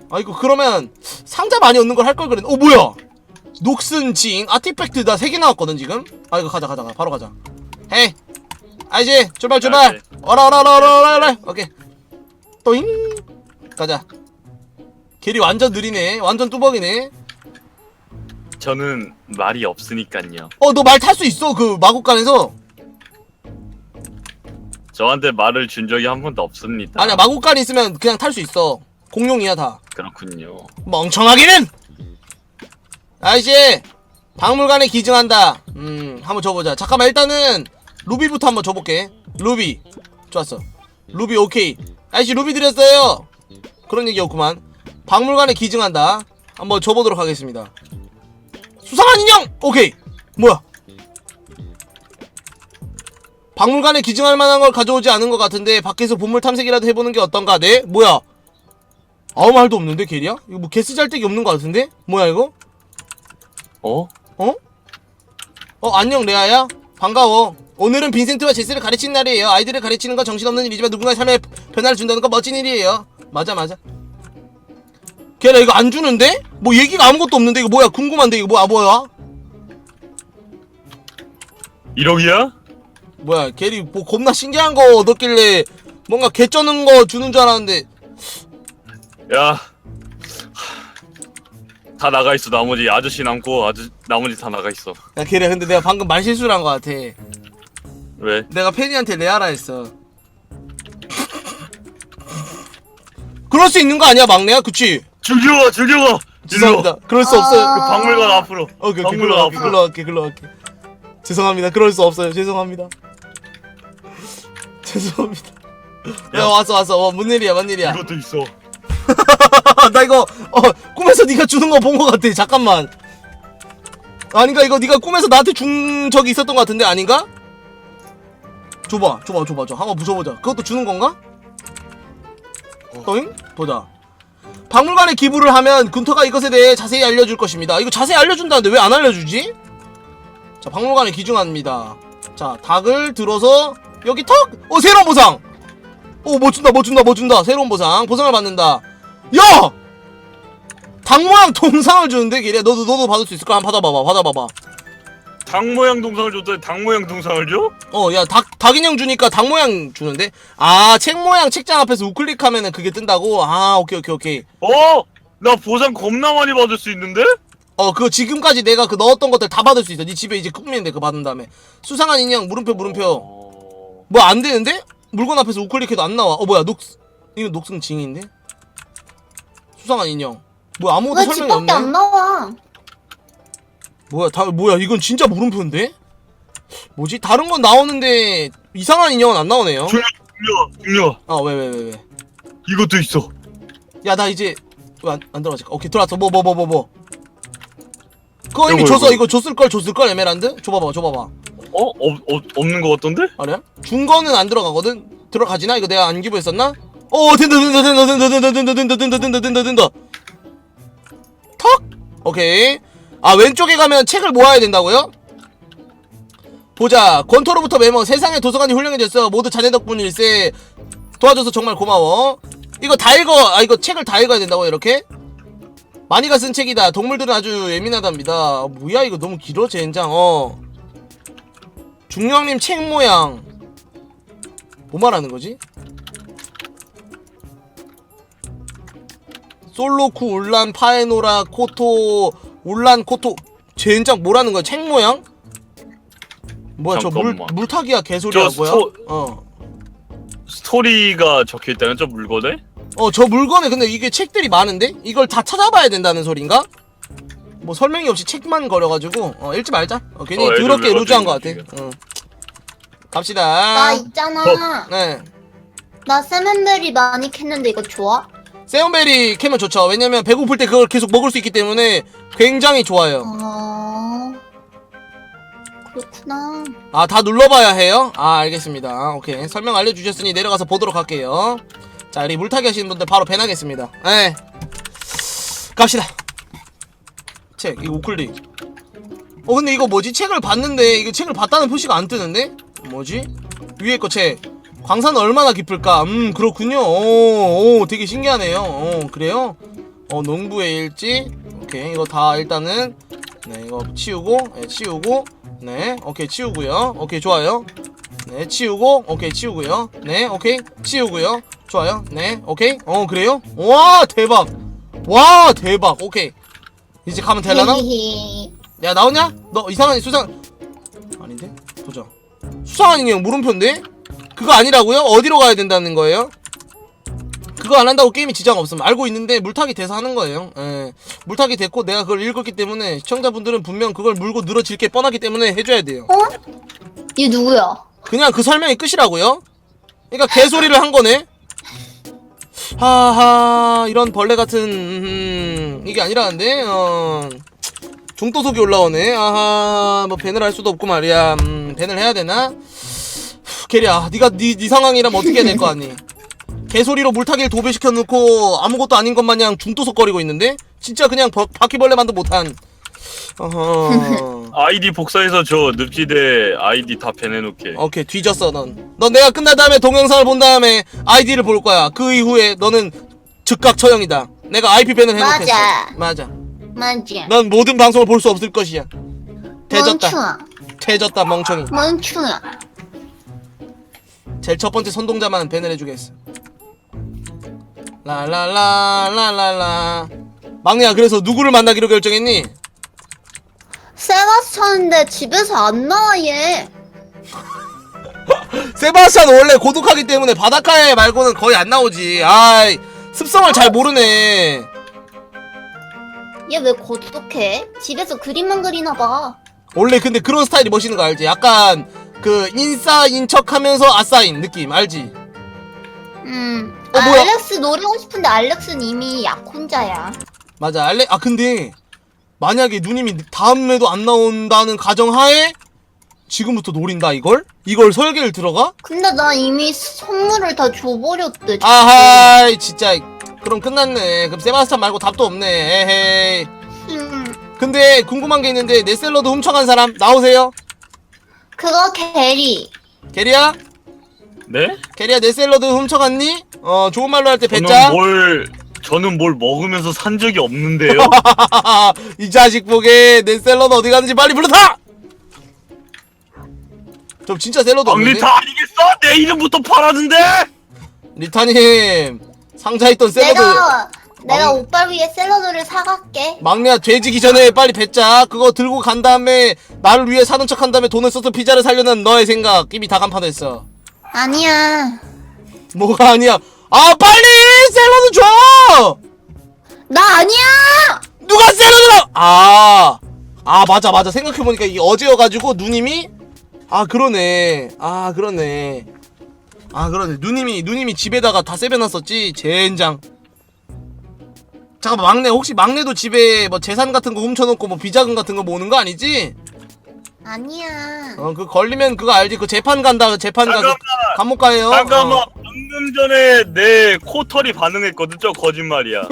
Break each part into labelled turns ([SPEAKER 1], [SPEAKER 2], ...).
[SPEAKER 1] 아 이거 그러면 상자 많이 얻는 걸 할 걸 그랬네. 뭐야 녹슨 징 아티팩트 나 3개 나왔거든 지금. 아 이거 가자 바로 가자. 헤이 아이지 출발 어라 오케이 또잉 가자. 길이 완전 느리네. 완전 뚜벅이네.
[SPEAKER 2] 저는 말이 없으니깐요.
[SPEAKER 1] 너 말 탈 수 있어 그 마국간에서.
[SPEAKER 2] 저한테 말을 준 적이 한 번도 없습니다.
[SPEAKER 1] 아니야 마국간 있으면 그냥 탈 수 있어. 공룡이야 다.
[SPEAKER 2] 그렇군요.
[SPEAKER 1] 멍청하기는. 아이씨 박물관에 기증한다. 한번 줘보자. 잠깐만 일단은 루비부터 한번 줘볼게. 루비 좋았어. 루비 오케이. 아이씨 루비 드렸어요. 그런 얘기였구만. 박물관에 기증한다. 한번 줘보도록 하겠습니다. 수상한 인형! 오케이. 뭐야 박물관에 기증할 만한 걸 가져오지 않은 것 같은데 밖에서 보물 탐색이라도 해보는 게 어떤가? 네? 뭐야 아무 말도 없는데 게리야? 이거 뭐 개쓰잘데기 없는 것 같은데? 뭐야 이거? 안녕 레아야? 반가워. 오늘은 빈센트와 제스를 가르치는 날이에요. 아이들을 가르치는 건 정신없는 일이지만 누군가의 삶에 변화를 준다는 건 멋진 일이에요. 맞아 걔라 이거 안 주는데? 뭐 얘기가 아무것도 없는데 이거 뭐야 궁금한데 이거 뭐야
[SPEAKER 2] 1억이야?
[SPEAKER 1] 뭐야 걔리 뭐 겁나 신기한 거 얻었길래 뭔가 개 쩌는 거 주는 줄 알았는데.
[SPEAKER 2] 야, 다 나가 있어. 나머지 아저씨 남고 나머지 다 나가 있어.
[SPEAKER 1] 야 걔리 근데 내가 방금 말 실수를 한 거 같아.
[SPEAKER 2] 왜?
[SPEAKER 1] 내가 페니한테 레아라 했어. 그럴 수 있는 거 아니야 막내야? 그치?
[SPEAKER 2] 즐겨가.
[SPEAKER 1] 죄송합니다. 그럴 수 없어요.
[SPEAKER 2] 그 박물관 앞으로.
[SPEAKER 1] 오케이
[SPEAKER 2] 박물관
[SPEAKER 1] 글로 갈게. 죄송합니다. 그럴 수 없어요. 죄송합니다. 야 왔어. 뭔 일이야?
[SPEAKER 2] 이것도 있어.
[SPEAKER 1] 나 이거 꿈에서 네가 주는 거 본 거 같아. 잠깐만. 아닌가 이거 네가 꿈에서 나한테 준 적이 있었던 거 같은데 아닌가? 줘봐. 한번 부숴보자. 그것도 주는 건가? 떠잉? 보자. 박물관에 기부를 하면 군터가 이것에 대해 자세히 알려줄 것입니다. 이거 자세히 알려준다는데 왜 안 알려주지? 자, 박물관에 기증합니다. 자, 닭을 들어서 여기 턱! 새로운 보상! 뭐 준다. 새로운 보상을 받는다. 야! 닭 모양 동상을 주는데 걔네 너도 받을 수 있을까? 한번 받아봐봐.
[SPEAKER 2] 닭 모양 동상을 줬더니 닭 모양 동상을 줘?
[SPEAKER 1] 야, 닭 인형 주니까 닭 모양 주는데? 책 모양 책장 앞에서 우클릭하면은 그게 뜬다고? 오케이.
[SPEAKER 2] 나 보상 겁나 많이 받을 수 있는데?
[SPEAKER 1] 그거 지금까지 내가 그 넣었던 것들 다 받을 수 있어. 네 집에 이제 꾸미면 돼. 그거 받은 다음에. 수상한 인형, 물음표. 뭐 안 되는데? 물건 앞에서 우클릭해도 안 나와. 뭐야, 이거 녹슨 징인데? 수상한 인형. 뭐 아무것도
[SPEAKER 3] 왜
[SPEAKER 1] 설명이
[SPEAKER 3] 집밖에
[SPEAKER 1] 없네?
[SPEAKER 3] 안 나와?
[SPEAKER 1] 뭐야, 이건 진짜 물음표인데? 뭐지? 다른 건 나오는데 이상한 인형은 안 나오네요.
[SPEAKER 2] 중요.
[SPEAKER 1] 왜?
[SPEAKER 2] 이것도 있어.
[SPEAKER 1] 야, 나 이제 왜 안 들어가지? 오케이, 들어왔어. 뭐. 그거 이미
[SPEAKER 2] 이거,
[SPEAKER 1] 줬어.
[SPEAKER 2] 이거.
[SPEAKER 1] 이거 줬을걸, 에메랄드? 줘봐봐.
[SPEAKER 2] 없는 거 같던데?
[SPEAKER 1] 아니야? 준 거는 안 들어가거든? 들어가지나? 이거 내가 안 기부했었나? 된다. 턱! 오케이. 왼쪽에 가면 책을 모아야 된다고요? 보자. 권토로부터 메모. 세상의 도서관이 훌륭해졌어. 모두 자네 덕분일세. 도와줘서 정말 고마워. 이거 다 읽어. 이거 책을 다 읽어야 된다고 이렇게? 많이가 쓴 책이다. 동물들은 아주 예민하답니다. 뭐야 이거 너무 길어 젠장. 중령님 책 모양 뭐 말하는 거지? 솔로쿠 울란 파에노라 코토 울란 코토 젠장 뭐라는 거야? 책 모양? 뭐야 저 물타기야 개소리야 뭐야?
[SPEAKER 2] 스토리가 적혀있다는 저 물건에?
[SPEAKER 1] 저 물건에 근데 이게 책들이 많은데? 이걸 다 찾아봐야 된다는 소린가? 뭐 설명이 없이 책만 거려가지고 읽지 말자. 괜히 더럽게 루즈한 것 같아. 갑시다.
[SPEAKER 3] 나 있잖아.
[SPEAKER 1] 네.
[SPEAKER 3] 나 세멘베리 많이 캤는데 이거 좋아?
[SPEAKER 1] 세온베리 캐면 좋죠. 왜냐면 배고플 때 그걸 계속 먹을 수 있기 때문에 굉장히 좋아요.
[SPEAKER 3] 그렇구나.
[SPEAKER 1] 다 눌러봐야 해요? 알겠습니다. 오케이. 설명 알려주셨으니 내려가서 보도록 할게요. 자, 우리 물타기 하시는 분들 바로 배나겠습니다. 네. 갑시다. 책, 이거 우클릭. 근데 이거 뭐지? 책을 봤는데 이거 책을 봤다는 표시가 안 뜨는데? 뭐지? 위에 거 책. 광산은 얼마나 깊을까? 그렇군요. 되게 신기하네요. 그래요? 농부의 일지. 오케이, 이거 다 일단은 네, 이거 치우고, 네, 치우고, 네, 오케이, 치우고요. 오케이, 좋아요. 네, 치우고, 오케이, 치우고요. 네, 오케이, 치우고요. 좋아요. 네, 오케이. 그래요? 와, 대박. 와, 대박. 오케이. 이제 가면 되려나? 야, 나오냐? 너 이상한 수상 아닌데? 보자. 수상한 인형 물음표인데? 그거 아니라고요? 어디로 가야 된다는 거예요? 그거 안 한다고 게임이 지장 없음. 알고 있는데 물타기 돼서 하는 거예요. 예. 물타기 됐고 내가 그걸 읽었기 때문에 시청자분들은 분명 그걸 물고 늘어질 게 뻔하기 때문에 해줘야 돼요.
[SPEAKER 3] 얘 누구야?
[SPEAKER 1] 그냥 그 설명이 끝이라고요? 그러니까 개소리를 한 거네? 하하, 이런 벌레 같은, 이게 아니라는데? 중도속이 올라오네. 아하, 뭐 밴을 할 수도 없고 말이야. 밴을 해야 되나? 게리야, 니가 네 상황이라면 어떻게 해야 될 거 아니? 개소리로 물타기를 도배시켜 놓고 아무것도 아닌 것 마냥 중도속거리고 있는데? 진짜 그냥 바퀴벌레만도 못한. 어허.
[SPEAKER 2] 아이디 복사해서 저 늪지대 아이디 다 배내놓게.
[SPEAKER 1] 오케이, 뒤졌어 넌 내가 끝난 다음에 동영상을 본 다음에 아이디를 볼 거야. 그 이후에 너는 즉각 처형이다. 내가 IP 밴을 해놓겠어. 맞아. 넌 모든 방송을 볼 수 없을 것이야.
[SPEAKER 3] 멍충아.
[SPEAKER 1] 태졌다 멍청이.
[SPEAKER 3] 멍충아.
[SPEAKER 1] 제일 첫 번째 선동자만 밴을 해주겠어. 라라라라라라. 막내야, 그래서 누구를 만나기로 결정했니?
[SPEAKER 3] 세바스찬인데 집에서 안 나와 얘.
[SPEAKER 1] 세바스찬 원래 고독하기 때문에 바닷가에 말고는 거의 안 나오지. 아이, 습성을 잘 모르네.
[SPEAKER 3] 얘 왜 고독해? 집에서 그림만 그리나 봐.
[SPEAKER 1] 원래 근데 그런 스타일이 멋있는 거 알지? 약간 그 인싸인 척하면서 아싸인 느낌 알지? 뭐야?
[SPEAKER 3] 알렉스 노리고 싶은데 알렉스는 이미 약혼자야.
[SPEAKER 1] 맞아. 근데 만약에 누님이 다음에도 안 나온다는 가정하에 지금부터 노린다 이걸? 이걸 설계를 들어가?
[SPEAKER 3] 근데 나 이미 선물을 다 줘버렸대.
[SPEAKER 1] 아하이 진짜. 그럼 끝났네. 그럼 세바스찬 말고 답도 없네. 에헤이. 근데 궁금한 게 있는데 내 샐러드 훔쳐간 사람 나오세요?
[SPEAKER 3] 그거 게리.
[SPEAKER 1] 게리야?
[SPEAKER 2] 네?
[SPEAKER 1] 게리야, 내 샐러드 훔쳐갔니? 좋은 말로 할 때 뱉자.
[SPEAKER 2] 저는 뭘 먹으면서 산 적이 없는데요?
[SPEAKER 1] 이 자식 보게 내 샐러드 어디 갔는지 빨리 불러다! 저 진짜 샐러드 없는데?
[SPEAKER 2] 리타 아니겠어? 내 이름부터 팔았는데?
[SPEAKER 1] 리타님 상자에 있던 샐러드
[SPEAKER 3] 내가 오빠 위해 샐러드를 사갈게.
[SPEAKER 1] 막내야, 돼지기 전에 빨리 뱉자. 그거 들고 간 다음에 나를 위해 사는 척 한 다음에 돈을 써서 피자를 살려는 너의 생각 이미 다 간판했어.
[SPEAKER 3] 아니야.
[SPEAKER 1] 뭐가 아니야? 빨리 샐러드 줘!
[SPEAKER 3] 나 아니야!
[SPEAKER 1] 누가 샐러드를 맞아. 생각해보니까 이게 어제여가지고 누님이 그러네. 누님이 집에다가 다 세배놨었지. 젠장. 잠깐만, 막내 혹시 막내도 집에 뭐 재산 같은 거 훔쳐놓고 뭐 비자금 같은 거 모으는 거 아니지?
[SPEAKER 3] 아니야.
[SPEAKER 1] 그 걸리면 그거 알지? 그 재판 간다.
[SPEAKER 2] 잠깐만.
[SPEAKER 1] 감옥 가요.
[SPEAKER 2] 잠깐만. 방금 전에 내 코털이 반응했거든. 저 거짓말이야.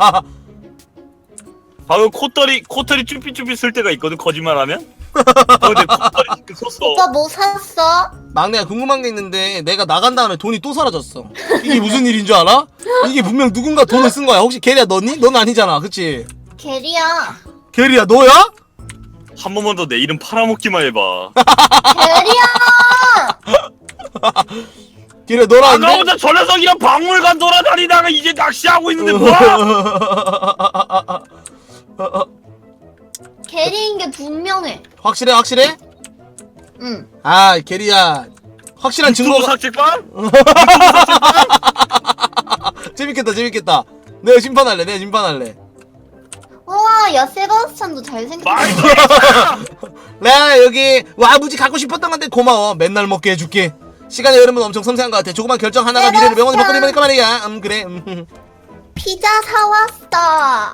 [SPEAKER 2] 방금 코털이 쭈삐쭈삐 쓸 때가 있거든. 거짓말하면. 근데 코털이 썼어.
[SPEAKER 3] 오빠 뭐 샀어?
[SPEAKER 1] 막내가 궁금한 게 있는데 내가 나간 다음에 돈이 또 사라졌어. 이게 무슨 일인 줄 알아? 이게 분명 누군가 돈을 쓴 거야. 혹시 게리야 너니? 넌 아니잖아, 그치?
[SPEAKER 3] 게리야.
[SPEAKER 1] 게리야 너야?
[SPEAKER 2] 한 번만 더 내 이름 팔아먹기만 해봐.
[SPEAKER 3] 게리야!
[SPEAKER 1] 게리야 너라는데?
[SPEAKER 2] 아까부터 저 녀석이랑 박물관 돌아다니다가 이제 낚시하고 있는데 뭐야?
[SPEAKER 3] 게리인 게 분명해.
[SPEAKER 1] 확실해?
[SPEAKER 3] 응.
[SPEAKER 1] 게리야 확실한
[SPEAKER 2] 유튜브
[SPEAKER 1] 증거가
[SPEAKER 2] 삭제판?
[SPEAKER 1] 재밌겠다. 내가 심판할래.
[SPEAKER 3] 우와, 야 세바스찬도 잘생겼어.
[SPEAKER 1] 나 여기 와무지 갖고 싶었던 건데 고마워. 맨날 먹게 해줄게. 시간의 흐름은 엄청 섬세한 것 같아. 조그만 결정 하나가 미래를 명언히 바꿔내니까 말이야. 그래.
[SPEAKER 3] 피자 사왔어.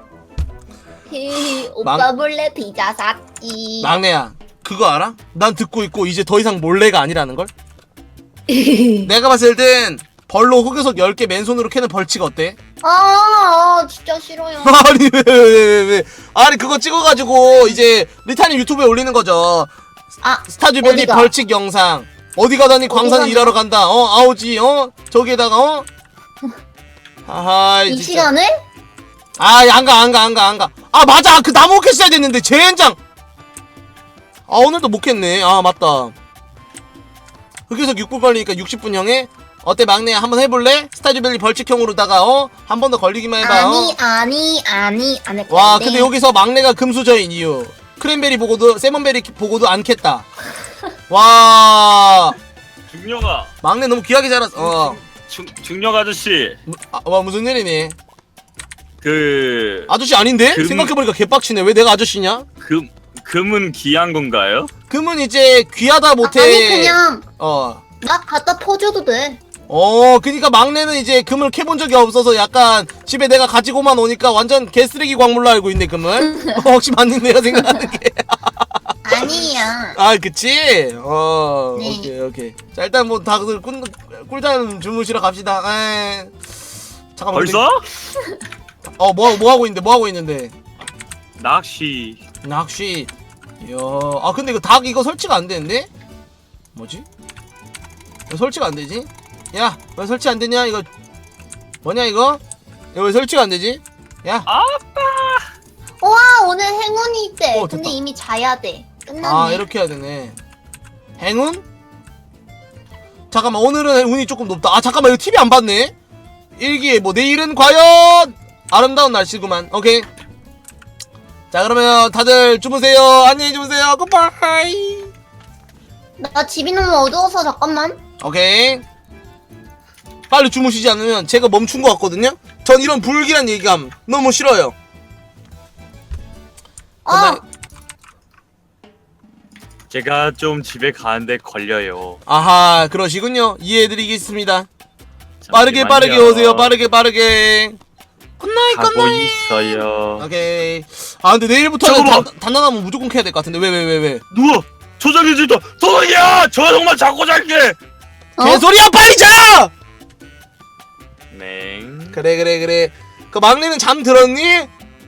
[SPEAKER 3] 오빠 몰래 피자 샀지.
[SPEAKER 1] 막내야, 그거 알아? 난 듣고 있고 이제 더 이상 몰래가 아니라는 걸? 내가 봤을 땐 벌로 흑요석 10개 맨손으로 캐는 벌칙 어때?
[SPEAKER 3] 진짜 싫어요.
[SPEAKER 1] 아니 왜 아니 그거 찍어가지고 이제 리타님 유튜브에 올리는 거죠. 스타듀밸리
[SPEAKER 3] 어디가?
[SPEAKER 1] 벌칙 영상. 어디 가다니 광산 일하러 간다. 아오지 저기에다가 하하이
[SPEAKER 3] 이
[SPEAKER 1] 진짜.
[SPEAKER 3] 시간을?
[SPEAKER 1] 아, 안 가. 아, 맞아. 그 나무 캐스야 됐는데, 젠장! 아, 오늘도 못 캤네. 아, 맞다. 흑요석 6분 걸리니까 60분 형에? 어때, 막내야? 한번 해볼래? 스타듀밸리 벌칙형으로다가, 한 번 더 걸리기만 해봐.
[SPEAKER 3] 아니, 안 할 건데.
[SPEAKER 1] 와, 근데 여기서 막내가 금수저인 이유. 크랜베리 보고도, 세먼베리 보고도 안 캤다. 와,
[SPEAKER 2] 중령아.
[SPEAKER 1] 막내 너무 귀하게 자랐어.
[SPEAKER 2] 중령 아저씨.
[SPEAKER 1] 와, 무슨 일이니?
[SPEAKER 2] 그
[SPEAKER 1] 아저씨 아닌데?
[SPEAKER 2] 금-
[SPEAKER 1] 생각해보니까 개빡치네. 왜 내가 아저씨냐?
[SPEAKER 2] 금은 귀한 건가요?
[SPEAKER 1] 금은 이제 귀하다 못해.
[SPEAKER 3] 아니, 그냥 나 갖다 퍼줘도 돼.
[SPEAKER 1] 그니까 막내는 이제 금을 캐본 적이 없어서 약간 집에 내가 가지고만 오니까 완전 개쓰레기 광물로 알고 있네, 금을. 혹시 맞는 내가 생각하는 게.
[SPEAKER 3] 아니야.
[SPEAKER 1] 아, 그치?
[SPEAKER 3] 네.
[SPEAKER 1] 오케이. 자, 일단 뭐 다들 꿀잠 주무시러 갑시다. 잠깐만.
[SPEAKER 2] 벌써?
[SPEAKER 1] 뭐 하고 있는데?
[SPEAKER 2] 낚시.
[SPEAKER 1] 낚시. 이야. 아, 근데 이거 닭 이거 설치가 안 되는데? 뭐지? 왜 설치가 안 되지? 야, 왜 설치 안 되냐? 이거 뭐냐 이거? 이거 왜 설치가 안 되지? 야.
[SPEAKER 3] 와, 오늘 행운이 있대.
[SPEAKER 1] 됐다.
[SPEAKER 3] 근데 이미 자야 돼. 끝났네.
[SPEAKER 1] 아, 이렇게 해야 되네. 행운? 잠깐만, 오늘은 운이 조금 높다. 아, 잠깐만, 이거 TV 안 봤네? 일기에 뭐 내일은 과연 아름다운 날씨구만. 오케이. 자, 그러면 다들 주무세요. 안녕히 주무세요. 굿바이.
[SPEAKER 3] 나 집이 너무 어두워서 잠깐만.
[SPEAKER 1] 오케이. 빨리 주무시지 않으면 제가 멈춘 것 같거든요. 전 이런 불길한 얘기감 너무 싫어요.
[SPEAKER 2] 제가 좀 집에 가는데 걸려요.
[SPEAKER 1] 아하, 그러시군요. 이해해드리겠습니다. 빠르게
[SPEAKER 2] 잠시만요.
[SPEAKER 1] 오세요. 빠르게. 굿나잇.
[SPEAKER 2] 가고 있어요.
[SPEAKER 1] 오케이. 아, 근데 내일부터는
[SPEAKER 2] 잠깐만.
[SPEAKER 1] 단단하면 무조건 캐야 될 것 같은데. 왜?
[SPEAKER 2] 누워. 조작이 진다. 도둑이야. 저 정말 자고 잘게.
[SPEAKER 1] 개소리야, 빨리 자!
[SPEAKER 2] 네.
[SPEAKER 1] 그래. 그 막내는 잠 들었니?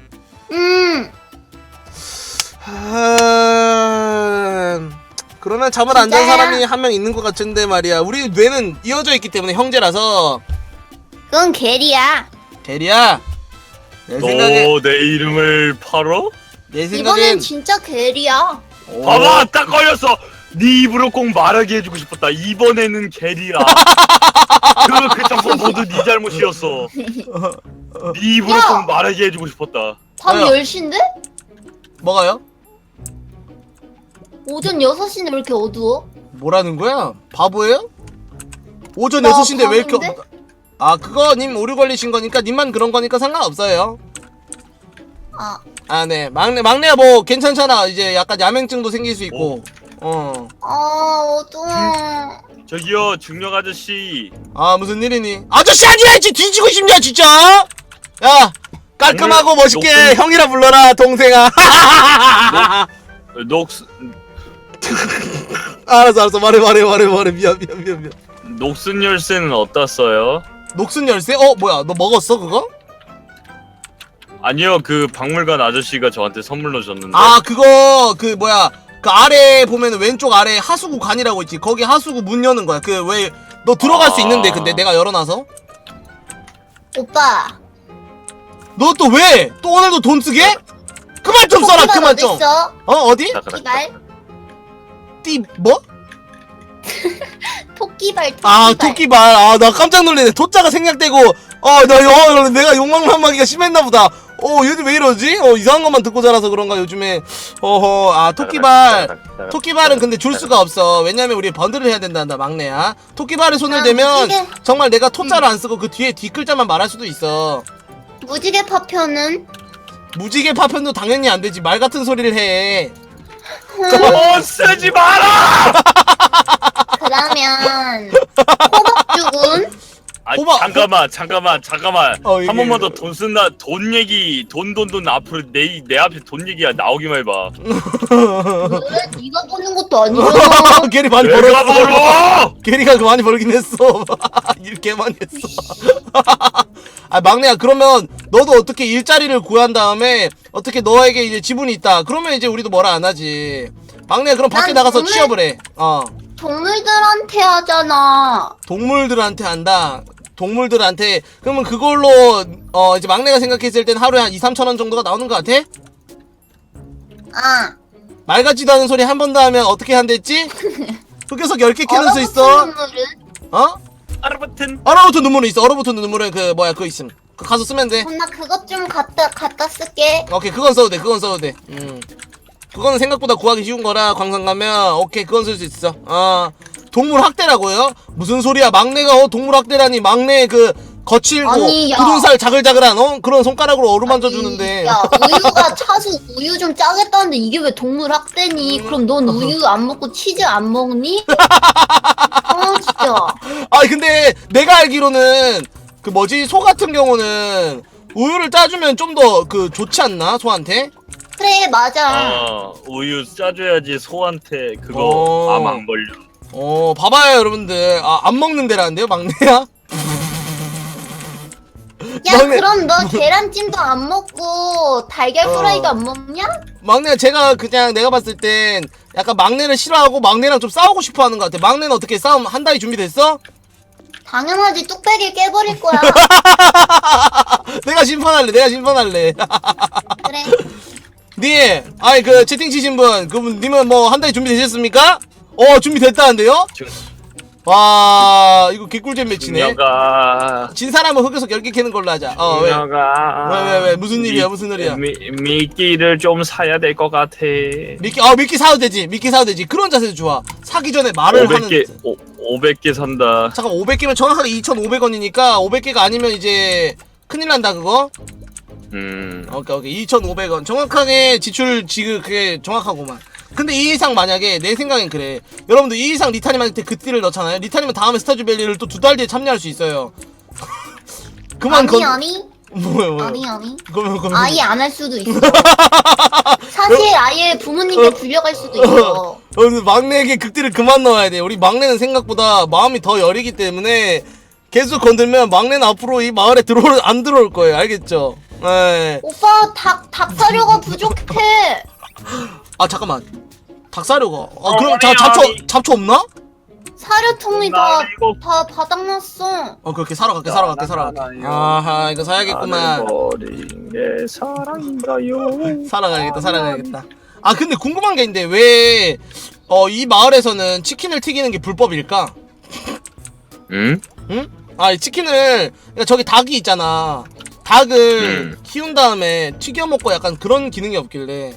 [SPEAKER 1] 그러면 잠을 안 잔
[SPEAKER 3] 진짜야?
[SPEAKER 1] 사람이 한 명 있는 것 같은데 말이야. 우리 뇌는 이어져 있기 때문에 형제라서.
[SPEAKER 3] 그건 게리야.
[SPEAKER 1] 대리야. 내 생각에
[SPEAKER 2] 너 내 이름을 팔어?
[SPEAKER 1] 내
[SPEAKER 3] 이번엔
[SPEAKER 1] 생각엔
[SPEAKER 3] 진짜 게리야.
[SPEAKER 2] 봐봐, 딱 걸렸어. 네 입으로 꼭 말하게 해주고 싶었다. 이번에는 게리야. 그 정보 모두 네 잘못이었어. 네 입으로
[SPEAKER 3] 야!
[SPEAKER 2] 꼭 말하게 해주고 싶었다.
[SPEAKER 3] 밤
[SPEAKER 1] 뭐야?
[SPEAKER 3] 10시인데?
[SPEAKER 1] 뭐가요?
[SPEAKER 3] 오전 6시인데 왜 이렇게 어두워?
[SPEAKER 1] 뭐라는 거야? 바보예요? 오전
[SPEAKER 3] 나
[SPEAKER 1] 6시인데 왜 이렇게
[SPEAKER 3] 바보인데?
[SPEAKER 1] 아, 그거 님 오류 걸리신 거니까 님만 그런 거니까 상관없어요. 아, 네. 막내야 뭐 괜찮잖아. 이제 약간 야맹증도 생길 수 있고.
[SPEAKER 3] 어두워.
[SPEAKER 2] 저기요, 중력 아저씨.
[SPEAKER 1] 아, 무슨 일이니? 아저씨 아니야! 지 뒤지고 싶냐 진짜? 야, 깔끔하고
[SPEAKER 2] 오늘
[SPEAKER 1] 멋있게
[SPEAKER 2] 욕심-
[SPEAKER 1] 형이라 불러라, 동생아.
[SPEAKER 2] 녹슨
[SPEAKER 1] 알았어. 말해. 미안.
[SPEAKER 2] 녹슨 열쇠는 어땠어요?
[SPEAKER 1] 녹슨 열쇠? 뭐야? 너 먹었어 그거?
[SPEAKER 2] 아니요, 그 박물관 아저씨가 저한테 선물로 줬는데.
[SPEAKER 1] 아, 그거 그 뭐야? 그 아래 보면은 왼쪽 아래 하수구 관이라고 있지. 거기 하수구 문 여는 거야. 그 왜 너 들어갈 수 있는데 근데 내가 열어놔서.
[SPEAKER 3] 오빠.
[SPEAKER 1] 너 또 왜? 또 오늘도 돈 쓰게? 그만 좀 써라. 그만 좀.
[SPEAKER 3] 어딨어?
[SPEAKER 1] 어디?
[SPEAKER 3] 토끼발?
[SPEAKER 1] 뭐?
[SPEAKER 3] 토끼발.
[SPEAKER 1] 아, 토끼발. 아, 나 깜짝 놀래네. 토자가 생략되고, 내가 욕망만마기가 심했나 보다. 요즘 왜 이러지? 이상한 것만 듣고 자라서 그런가, 요즘에. 토끼발. 토끼발은 근데 줄 수가 없어. 왜냐면 우리 번들을 해야 된단다, 막내야. 토끼발에 손을
[SPEAKER 3] 아,
[SPEAKER 1] 대면,
[SPEAKER 3] 무지개.
[SPEAKER 1] 정말 내가 토자를 안 쓰고 그 뒤에 뒷글자만 말할 수도 있어.
[SPEAKER 3] 무지개 파편은?
[SPEAKER 1] 무지개 파편도 당연히 안 되지. 말 같은 소리를 해.
[SPEAKER 2] 쓰지 마라!
[SPEAKER 3] 그러면 호박죽은?
[SPEAKER 2] 아,
[SPEAKER 1] 호박-
[SPEAKER 2] 잠깐만.
[SPEAKER 1] 이게-
[SPEAKER 2] 한 번만 더 돈 쓴다. 돈 얘기, 돈 앞으로 내 앞에 돈 얘기야 나오기만 해봐.
[SPEAKER 3] 왜? 네가 보는 것도 아니잖아.
[SPEAKER 1] 게리 많이
[SPEAKER 2] 내가
[SPEAKER 1] 벌었어.
[SPEAKER 2] 벌어!
[SPEAKER 1] 게리가 많이 벌긴 했어. 일 개 많이 했어. 아, 막내야, 그러면 너도 어떻게 일자리를 구한 다음에 어떻게 너에게 이제 지분이 있다. 그러면 이제 우리도 뭐라 안 하지. 막내야, 그럼 밖에
[SPEAKER 3] 난
[SPEAKER 1] 나가서
[SPEAKER 3] 돈을-
[SPEAKER 1] 취업을 해.
[SPEAKER 3] 동물들한테 하잖아.
[SPEAKER 1] 동물들한테 한다. 동물들한테. 그러면 그걸로 이제 막내가 생각했을 땐 하루에 한 2-3천원 정도가 나오는 것 같아?
[SPEAKER 3] 아.
[SPEAKER 1] 말 같지도 않은 소리 한 번 더 하면 어떻게 한댔지? 흑요석 10개 캐는 수 있어.
[SPEAKER 3] 눈물은?
[SPEAKER 1] 어?
[SPEAKER 2] 아르바튼.
[SPEAKER 1] 얼어붙은 눈물은 있어. 얼어붙은 눈물은 그 뭐야 그거 있음. 그거 가서 쓰면 돼.
[SPEAKER 3] 나 그것 좀 갖다 쓸게.
[SPEAKER 1] 오케이 그건 써도 돼. 그건 써도 돼. 그거는 생각보다 구하기 쉬운 거라 광산 가면 오케이 그건 쓸 수 있어. 동물 학대라고요? 무슨 소리야? 막내가 동물 학대라니. 막내 그 거칠고
[SPEAKER 3] 아니, 야.
[SPEAKER 1] 굳은살 자글자글한 그런 손가락으로 어루만져 주는데.
[SPEAKER 3] 야, 우유가 차수 우유 좀 짜겠다는데 이게 왜 동물 학대니? 그럼 넌 우유 안 먹고 치즈 안 먹니? 진짜.
[SPEAKER 1] 근데 내가 알기로는 그 뭐지 소 같은 경우는 우유를 짜주면 좀 더 그 좋지 않나 소한테?
[SPEAKER 3] 그래, 맞아.
[SPEAKER 2] 우유 짜줘야지 소한테 그거 암 안 걸려.
[SPEAKER 1] 봐봐요 여러분들. 안 먹는 데라는데요 막내야?
[SPEAKER 3] 야,
[SPEAKER 1] 막내-
[SPEAKER 3] 그럼 너 계란찜도 안 먹고 달걀 프라이도 안 먹냐?
[SPEAKER 1] 막내야 제가 그냥 내가 봤을 땐 약간 막내를 싫어하고 막내랑 좀 싸우고 싶어 하는 것 같아. 막내는 어떻게 싸움 한 달이 준비됐어?
[SPEAKER 3] 당연하지, 뚝배기 깨버릴 거야.
[SPEAKER 1] 내가 심판할래.
[SPEAKER 3] 그래.
[SPEAKER 1] 님, 그 채팅 치신 분, 그분 님은 뭐 한 달이 준비되셨습니까? 준비됐다는데요? 와, 이거 개꿀잼 매치네.
[SPEAKER 2] 중녀가
[SPEAKER 1] 진 사람은 흑요석 10개 캐는 걸로 하자. 왜?
[SPEAKER 2] 중녀가
[SPEAKER 1] 왜? 무슨 일이야? 무슨 일이야?
[SPEAKER 2] 미끼를 좀 사야 될 것 같아.
[SPEAKER 1] 미끼 사도 되지. 그런 자세도 좋아. 사기 전에 말을 하는.
[SPEAKER 2] 500개 산다.
[SPEAKER 1] 잠깐 500개면 정확하게 2,500원이니까 500개가 아니면 이제 큰일 난다 그거. 오케이 2,500원 정확하게 지출 지금 그게 정확하고만. 근데 이 이상 만약에 내 생각엔 그래. 여러분들 이 이상 리타님한테 그 띠를 넣잖아요. 리타님은 다음에 스타즈밸리를 또 2달 뒤에 참여할 수 있어요. 그만
[SPEAKER 3] 아니.
[SPEAKER 1] 뭐야.
[SPEAKER 3] 아니.
[SPEAKER 1] 그러면
[SPEAKER 3] 아예 안 할 수도 있어. 사실 아예 부모님께 불려갈 수도 있어.
[SPEAKER 1] 막내에게 극딜을 그만 넣어야 돼. 우리 막내는 생각보다 마음이 더 여리기 때문에 계속 건들면 막내는 앞으로 이 마을에 안 들어올 거예요. 알겠죠? 네.
[SPEAKER 3] 오빠 닭 사료가 부족해.
[SPEAKER 1] 잠깐만. 닭사료가. 그럼
[SPEAKER 2] 아니,
[SPEAKER 1] 잡초 없나?
[SPEAKER 3] 사료통이
[SPEAKER 2] 나 이거-
[SPEAKER 3] 다 바닥났어.
[SPEAKER 1] 그렇게 사러 갈게. 아하, 이거 사야겠구만.
[SPEAKER 2] 버린 게 사랑인가요?
[SPEAKER 1] 사러 가야겠다. 근데 궁금한 게 있는데 왜 이 마을에서는 치킨을 튀기는 게 불법일까?
[SPEAKER 2] 응?
[SPEAKER 1] 응? 이 치킨을 그러니까 저기 닭이 있잖아. 닭을 키운 다음에 튀겨 먹고 약간 그런 기능이 없길래.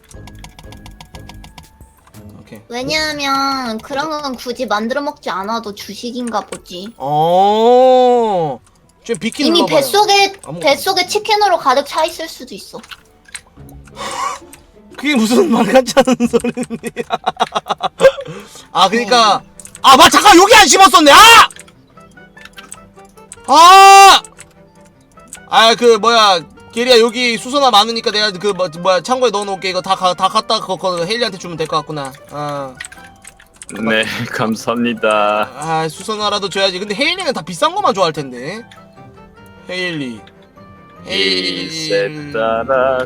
[SPEAKER 1] 오케이.
[SPEAKER 3] 왜냐하면 그런 건 굳이 만들어 먹지 않아도 주식인가 보지.
[SPEAKER 1] 좀 비키
[SPEAKER 3] 이미
[SPEAKER 1] 눌러봐요.
[SPEAKER 3] 뱃속에 치킨으로 가득 차 있을 수도 있어.
[SPEAKER 1] 그게 무슨 말 같지 않은 소리니? 그니까 잠깐 여기 안 씹었었네. 그 뭐야 게리야 여기 수선화 많으니까 내가 그 뭐야 창고에 넣어놓을게. 이거 다 갖다 그거 헬리한테 주면 될 것 같구나.
[SPEAKER 2] 네, 감사합니다.
[SPEAKER 1] 수선화라도 줘야지. 근데 헤일리는 다 비싼 거만 좋아할 텐데. 헤일리
[SPEAKER 2] 이셋따라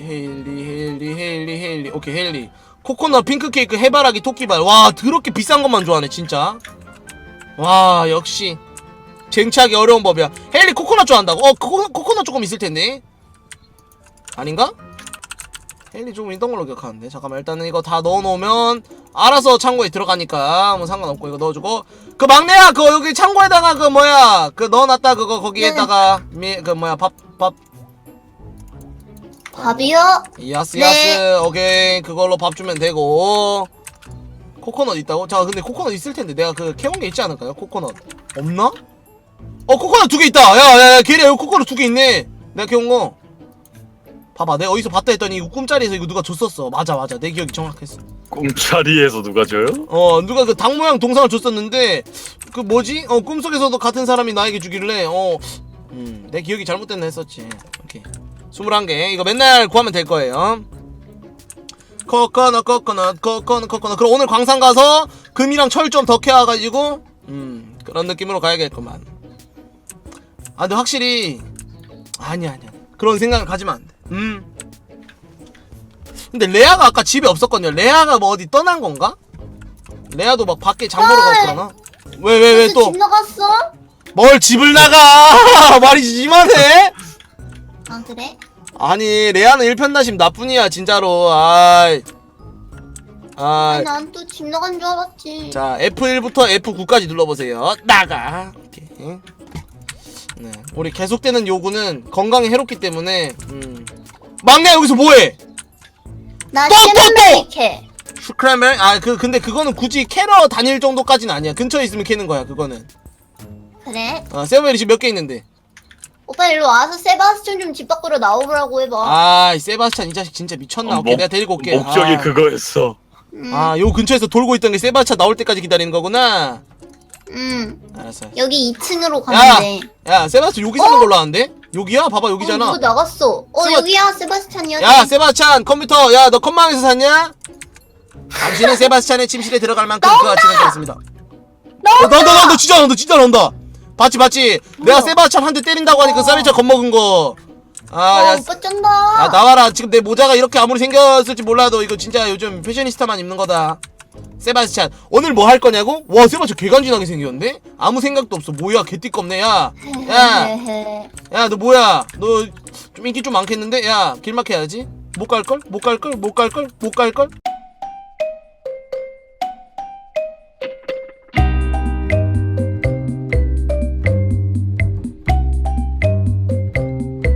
[SPEAKER 1] 헤일리 오케이 헤일리 코코넛 핑크케이크 해바라기 토끼발. 와 더럽게 비싼 것만 좋아하네 진짜. 와 역시 쟁취하기 어려운 법이야. 헤일리 코코넛 좋아한다고? 코코넛 조금 있을 텐데. 아닌가? 헤일리 조금 있던 걸로 기억하는데. 잠깐만 일단은 이거 다 넣어놓으면 알아서 창고에 들어가니까 뭐 상관없고 이거 넣어주고. 그 막내야 그거 여기 창고에다가 그 뭐야 그 넣어놨다 그거 거기에다가 그 뭐야 밥
[SPEAKER 3] 밥이요?
[SPEAKER 1] 야스
[SPEAKER 3] 네.
[SPEAKER 1] 오케이 그걸로 밥 주면 되고. 코코넛 있다고? 자 근데 코코넛 있을 텐데 내가 그 캐온 게 있지 않을까요? 코코넛 없나? 코코넛 2개 있다. 야 걔네 여기 코코넛 2개 있네. 내가 캐온 거 봐봐. 내가 어디서 봤다 했더니 이거 꿈자리에서 이거 누가 줬었어. 맞아 내 기억이 정확했어.
[SPEAKER 2] 꿈자리에서 누가 줘요?
[SPEAKER 1] 누가 그 닭 모양 동상을 줬었는데 그 뭐지? 꿈속에서도 같은 사람이 나에게 주길래 내 기억이 잘못됐나 했었지. 오케이 21개 이거 맨날 구하면 될 거예요. 코코넛 그럼 오늘 광산 가서 금이랑 철 좀 더 캐와가지고 그런 느낌으로 가야겠구만. 근데 확실히 아니야 그런 생각을 가지면 안 돼. 근데 레아가 아까 집에 없었거든요. 레아가 뭐 어디 떠난 건가? 레아도 막 밖에 장 보러 가고 그러나? 왜
[SPEAKER 3] 벌써
[SPEAKER 1] 또?
[SPEAKER 3] 집 나갔어?
[SPEAKER 1] 뭘 집을 나가! 말이 심하네?
[SPEAKER 3] 아 그래?
[SPEAKER 1] 아니 레아는 일편단심 나뿐이야 진짜로. 아이.
[SPEAKER 3] 아니 난 또 집 나간 줄 알았지.
[SPEAKER 1] 자 F1부터 F9까지 눌러보세요. 나가. 오케이. 네, 우리 계속되는 요구는 건강에 해롭기 때문에 막내 여기서 뭐해?
[SPEAKER 3] 나
[SPEAKER 1] 또!
[SPEAKER 3] 캐논베리 캐.
[SPEAKER 1] 슈크라멜? 근데 그거는 굳이 캐러 다닐 정도까지는 아니야. 근처에 있으면 캐는 거야 그거는.
[SPEAKER 3] 그래?
[SPEAKER 1] 세븐베리 지금 몇 개 있는데?
[SPEAKER 3] 오빠 일로 와서 세바스찬 좀 집 밖으로 나오라고 해봐.
[SPEAKER 1] 아, 이 세바스찬 이 자식 진짜 미쳤나? 오케이, 내가 데리고 올게.
[SPEAKER 2] 목적이 그거였어.
[SPEAKER 1] 요 근처에서 돌고 있던 게 세바스찬 나올 때까지 기다리는 거구나. 알았어.
[SPEAKER 3] 여기 2층으로 가면 돼.
[SPEAKER 1] 야, 세바스찬 여기 사는 걸로 아는데? 여기야? 봐봐, 여기잖아.
[SPEAKER 3] 누구 나갔어. 여기야 세바스찬이야.
[SPEAKER 1] 야, 세바스찬 컴퓨터. 야, 너 컴망에서 샀냐? 당신은 세바스찬의 침실에 들어갈 만큼 그 아침에 되었습니다. 너 진짜 나온다. 봤지? 내가 세바스찬 한 대 때린다고 하니까 세바스찬 겁먹은 거. 야,
[SPEAKER 3] 오빠 쩐다.
[SPEAKER 1] 야, 나와라. 지금 내 모자가 이렇게 아무리 생겼을지 몰라도 이거 진짜 요즘 패셔니스타만 입는 거다. 세바스찬, 오늘 뭐 할 거냐고? 와, 세바스찬 개간지나게 생겼는데? 아무 생각도 없어. 뭐야, 개띠껍네, 야. 야, 너 뭐야? 너 좀 인기 좀 많겠는데? 야, 길 막혀야지. 못 갈걸?